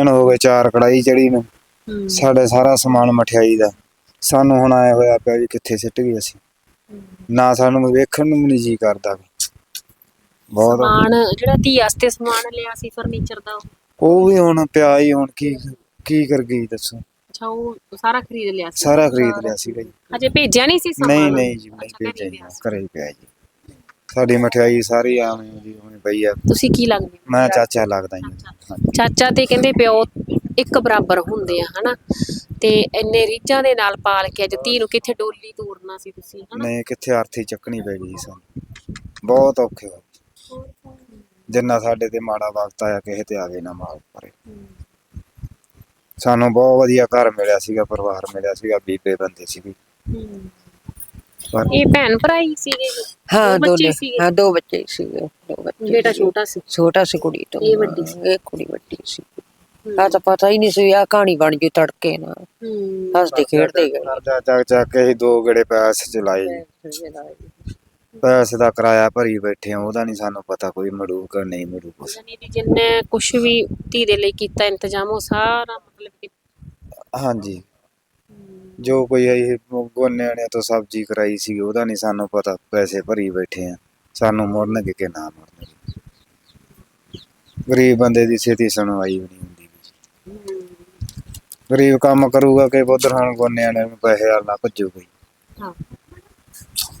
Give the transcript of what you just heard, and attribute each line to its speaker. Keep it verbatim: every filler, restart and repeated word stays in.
Speaker 1: दिन हो गए चार कढ़ाई चढ़ी ने साढ़े सारा समान मठियाई दा सानू हुण आए होया पिया भी कित्थे सिੱਟ गए असीं ना सानू वेखण नूं नहीं जी करदा बहुत
Speaker 2: समान ਜਿਹੜਾ ਧੀ ਵਾਸਤੇ ਸਮਾਨ ਲਿਆ ਸੀ ਫਰਨੀਚਰ ਦਾ
Speaker 1: ਉਹ ਵੀ ਹੁਣ ਪਿਆ ਹੀ ਹੁਣ ਕੀ ਕੀ ਕਰ ਗਈ ਦੱਸੋ
Speaker 2: ਅੱਛਾ ਉਹ ਸਾਰਾ ਖਰੀਦ ਲਿਆ ਸੀ
Speaker 1: ਸਾਰਾ ਖਰੀਦ ਲਿਆ ਸੀਗਾ ਜੀ
Speaker 2: ਅਜੇ ਭੇਜਿਆ ਨਹੀਂ ਸੀ ਸਮਾਨ
Speaker 1: ਨਹੀਂ ਨਹੀਂ ਜੀ ਨਹੀਂ ਭੇਜਿਆ ਜੀ ਘਰੇ ਹੀ ਪਿਆ ਜੀ ਸਾਡੀ ਮਠਿਆਈ ਸਾਰੀ ਆਵੇਂ ਜੀ ਉਵੇਂ ਪਈ ਆ
Speaker 2: ਤੁਸੀਂ ਕੀ ਲੱਗਦੇ
Speaker 1: ਮੈਂ ਚਾਚਾ ਲੱਗਦਾ ਜੀ
Speaker 2: ਚਾਚਾ ਤੇ ਕਹਿੰਦੇ ਪਿਓ ਇੱਕ ਬਰਾਬਰ ਹੁੰਦੇ ਆ ਹਨਾ ਤੇ ਇੰਨੇ ਰੀਝਾਂ ਦੇ ਨਾਲ ਪਾਲ ਕੇ ਅੱਜ ਧੀ ਨੂੰ ਕਿੱਥੇ ਡੋਲੀ ਤੋਰਨਾ ਸੀ ਤੁਸੀਂ ਹਨਾ
Speaker 1: ਨਹੀਂ ਕਿੱਥੇ ਅਰਥੀ ਚੱਕਣੀ ਪੈ ਗਈ ਸਾਨੂੰ ਬਹੁਤ ਔਖੇ ਹੋ ਜਿੰਨਾ ਸਾਡੇ ਤੇ ਮਾੜਾ ਵਕਤ ਆਇਆ ਕਿਸੇ ਤੇ ਆਵੇ ਨਾ ਮਾਲ ਪਰੇ ਸਾਨੂੰ ਬਹੁਤ ਵਧੀਆ ਘਰ ਮਿਲਿਆ ਸੀਗਾ ਪਰਿਵਾਰ ਮਿਲਿਆ ਸੀਗਾ ਬੀਬੇ ਬੰਦੇ ਸੀਗੇ
Speaker 2: ਇਹ ਭੈਣ ਭਰਾ ਹੀ ਸੀਗੇ
Speaker 3: हाँ दोनों हाँ दो बच्चे सीगे दो बच्चे
Speaker 2: ਬੇਟਾ ਛੋਟਾ ਸੀ
Speaker 3: छोटा सी कुड़ी तो
Speaker 2: ये बड़ी सी।
Speaker 3: ये कुड़ी बड़ी सी आ तो पता ही नहीं सी आ कहानी बन गई तड़के ना हंसते खेड़ते गए
Speaker 1: ਕਰਜ਼ਾ ਚੱਕ ਚੱਕ ਕੇ ਅਸੀਂ ਦੋ ਗੇੜੇ ਪੈਸੇ ਚਲਾਏ ਜੀ ਪੈਸੇ ਦਾ ਕਿਰਾਇਆ ਭਰੀ ਬੈਠੇ ਆ ਉਹਦਾ ਨਹੀਂ ਸਾਨੂੰ ਪਤਾ ਕੋਈ ਮੜੂਗਾ ਨਹੀਂ ਮੜੂ ਕੁਛ
Speaker 2: ਯਾਨੀ ਕਿ ਜਿੰਨੇ ਕੁਝ ਵੀ ਧੀ ਦੇ ਲਈ ਕੀਤਾ ਇੰਤਜ਼ਾਮ ਉਹ ਸਾਰਾ ਮਤਲਬ ਕਿ
Speaker 1: ਹਾਂਜੀ ਜੋ ਕੋਈ ਇਹ ਗੋਨਿਆਂ ਨੇ ਤੋਂ ਸਬਜ਼ੀ ਕਰਾਈ ਸੀ ਉਹਦਾ ਨਹੀਂ ਸਾਨੂੰ ਪਤਾ ਪੈਸੇ ਭਰੀ ਬੈਠੇ ਆ ਸਾਨੂੰ ਮੁੜਨਗੇ ਕਿ ਨਾ ਮੁੜਨਗੇ ਗਰੀਬ ਬੰਦੇ ਦੀ ਛੇਤੀ ਸੁਣਵਾਈ ਵੀ ਨਹੀਂ ਹੁੰਦੀ ਗਰੀਬ ਕੰਮ ਕਰੂਗਾ ਕਿ ਉਧਰ ਹੁਣ ਗੋਨਿਆਂ ਨੇ ਪੈਸੇ ਨਾਲ ਨਾ ਭੱਜੂਗਾ
Speaker 2: ਹਾਂ